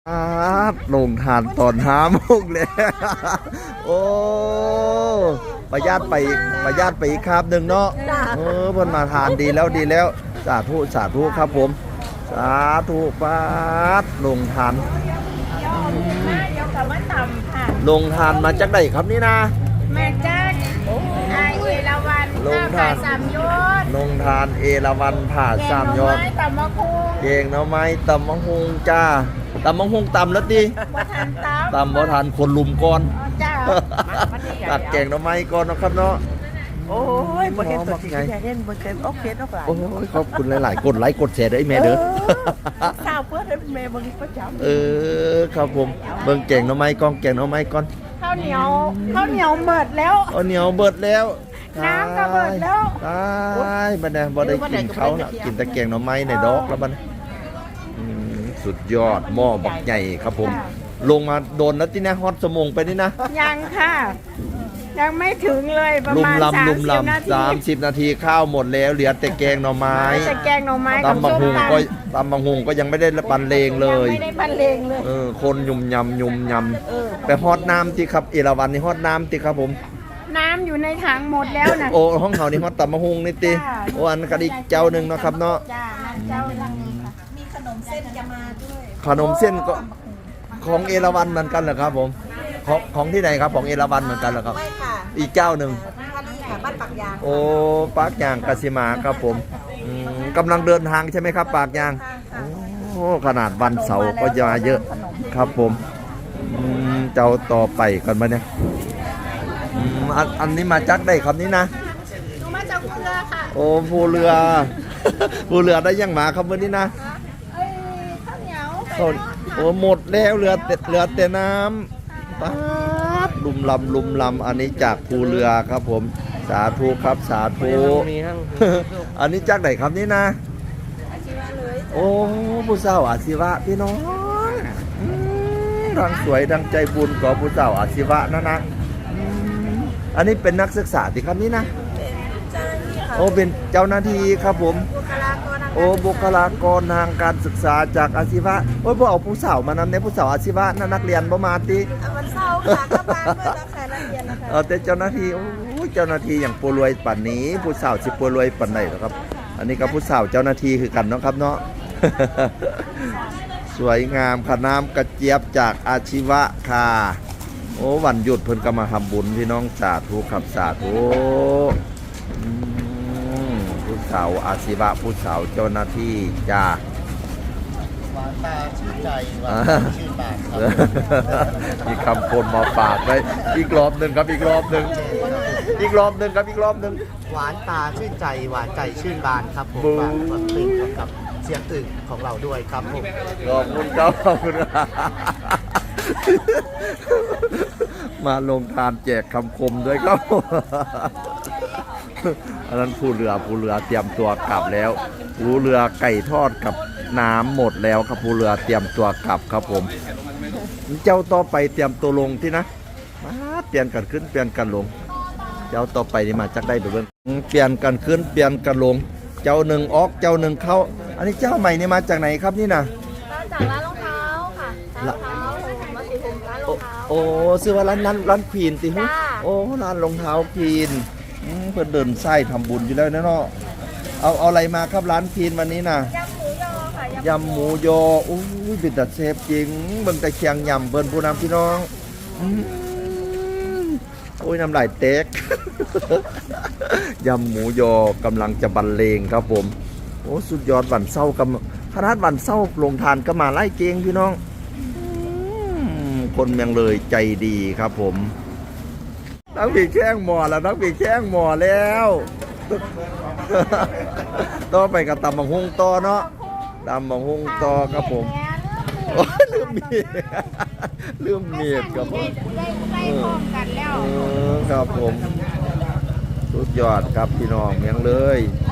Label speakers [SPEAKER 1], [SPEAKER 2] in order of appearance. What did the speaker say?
[SPEAKER 1] ลงทานตอน5 โมงแล้วโอ้ประหยัดไปอีกครับหนึ่งเนาะเพิ่นมาทานดีแล้วสาธุครับผมสาธุป้าดลงทานลงทานมาจากไหนครับนี่นะ
[SPEAKER 2] มาจากเอราวัณผ่าสามยอด
[SPEAKER 1] ลงทานเอราวัณผ่าสามยอด
[SPEAKER 2] ตำมะฮุง
[SPEAKER 1] เก่งเนาะไม้ตำมะฮุงจ้าตำมะฮุงตำแล้วดิตำบ่ทันคนลุมก่อนตัดแกงเนาะไม้ก่อนนะครับเนาะ
[SPEAKER 3] โอ้ยบ่เห็นตัวจริงเห็นบ่เห็นโอเคเนาะหลาย
[SPEAKER 1] โอ้ยขอบคุณหลายๆกดไลค์กดแชร์ด้วยแม่เด้อ
[SPEAKER 3] ข้าวเพื่อนแม่บ่ประจำ
[SPEAKER 1] ครับผมเบิ่งแกงเนาะไม้ก่อนแกงเนาะไม้ก่อน
[SPEAKER 2] ข้าวเหนียวเบิดแล้ว
[SPEAKER 1] ข้าวเหนียวเบิดแล้ว
[SPEAKER 2] น้ำก็เบิดแล้ว
[SPEAKER 1] ตายบัดนี้บ่ได้กินเขาน่ะกินแต่แกงเนาะไม้ในดอกแล้วบัดสุดยอดหม้อบักใหญ่ครับผมลงมาโดนแล้วที่นะฮอตสมงไปนี่นะ
[SPEAKER 2] ยังค่ะยังไม่ถึงเลยประมาณ
[SPEAKER 1] 30 นาทีข้าวหมดแล้วเหลือแต่แกงหน่อไม้ตำบักหุงก็ยังไม่ได้บรรเลงเลย
[SPEAKER 2] ไม่ได้บรรเลงเลย
[SPEAKER 1] คนยุ่มยำไปฮอตน้ำที่ครับเอราวัณนี่ฮอตน้ำที่ครับผม
[SPEAKER 2] น้ำอยู่ในถังหมดแล้วนะ
[SPEAKER 1] โอ้ห้องเขานี่ฮอตตำบักหุงนี่ติโอ้อันกระดิกเจ้าหนึ่งนะครับเนาะ
[SPEAKER 2] มีขนมเส้นจะมาด้วย
[SPEAKER 1] ขนมเส้นก็ของเอราวัณเหมือนกันเหรอครับผมของที่ไหนครับของเอราวัณเหมือนกันเหรอครับ
[SPEAKER 2] ไม่ค่ะ
[SPEAKER 1] อีกเจ้าหนึ่ง
[SPEAKER 2] บ้านปากยาง
[SPEAKER 1] โอ้ปากยางกสิมาครับผมกำลังเดินทางใช่ไหมครับปากยางโอ้ขนาดวันเสาร์ก็จะมาเยอะครับผมเจ้าต่อไปกันมาเนี่ยอันนี้มาจากได้ครับนี่นะ
[SPEAKER 2] หนูมาจากภูเรือค่ะ
[SPEAKER 1] โอ้ภูเรือได้ยังมาครับวันนี้นะ
[SPEAKER 2] ข้าวเหนียว
[SPEAKER 1] โอ้หมดแล้วเหลือแต่น้ำป๊าดลุมลำอันนี้จากภูเรือครับผมสาธุครับสาธุอันนี้จากไหนครับนี่นะโอ้ผู้สาวอาชีวะพี่น้องดังสวยดังใจบุญของผู้สาวอาชีวะนะอันนี้เป็นนักศึกษาที่ครับนี่นะโอ้เป็นเจ้าหน้าที่ครับผมโอ้บุคลากรทางการศึกษาจากอาชีวะโอ้ยพวกเอาผู้สาวมานำในผู้สาวอาชีวะนักเรียนประมาณตี
[SPEAKER 2] วันเสาร์ค่ะก็มาเพื่อรับการเรียนนะคะ
[SPEAKER 1] แต่เจ้าหน้าที่โอ้ยเจ้าหน้าที่อย่างปูรวยปันนี้ผู้สาวสิปูรวยปันไหนครับอันนี้ก็ผู้สาวเจ้าหน้าที่คือกันเนาะครับเนาะสวยงามขน้ำกระเจี๊ยบจากอาชีวะค่ะโอ้วันหยุดเพิ่นก็มาทำบุญพี่น้องสาธุครับสาธุผู้สาวอาชีวะผู้สาวเจ้าหน้าที่จ้า
[SPEAKER 3] หวานตาชื่นใจหวานชื่นปาก
[SPEAKER 1] มีคำคนมาฝากไว้อีกรอบหนึ่งครับอีกรอบหนึ่ง
[SPEAKER 3] หวานตาชื่นใจหวานใจชื่นบานครับผมฝากความตื่นกับเสียงตื่นของเราด้วยครับผม
[SPEAKER 1] ขอบคุณครับขอบคุณมาลงทานแจกคำคมด้วยครับอันนั้นผู้เรือเตรียมตัวกลับแล้วผู้เรือไก่ทอดกับน้ำหมดแล้วครับผู้เรือเตรียมตัวกลับครับผมเจ้าต่อไปเตรียมตัวลงที่นะเปลี่ยนกันขึ้นเปลี่ยนกันลงเจ้าต่อไปนี่มาจากได้ดูเรื่องเปลี่ยนกันขึ้นเปลี่ยนกันลงเจ้าหนึ่งออกเจ้าหนึ่งเข้าอันนี้เจ้าใหม่นี่มาจากไหนครับนี่นะ
[SPEAKER 2] จากร้านรองเท้าค่ะร้านรองเท้ามาสีผมร้านรองเท้า
[SPEAKER 1] โอ้ซื้อว่าร้านควีนติฮะโอ้ร้านรองเท้าควีนเพื่อเดินไส้ทำบุญอยู่แล้วนะเนาะเอาอะไรมาครับร้านควีนวันนี้นะยำหมูยออุ้ยเป็นตัดเซฟจริงเบิ่งแต่เคียงยำเบิ่นผู้นำพี่น้องโอ้ยน้ำลายเต๊กยำหมูยอกำลังจะบรรเลงครับผมโอ้สุดยอดวันเศร้ากับขนาดวันเศร้าลงทานก็มาไล่เกงพี่น้องคนเมืองเลยใจดีครับผมนักปีแข้งหมอแล้วต่อไปกับตำบักหุ่งต่อเนาะตำบักหุ่งต่อครับผมลืมเมียดครับผมครับผมสุดยอดครับพี่น้องเมืองเลย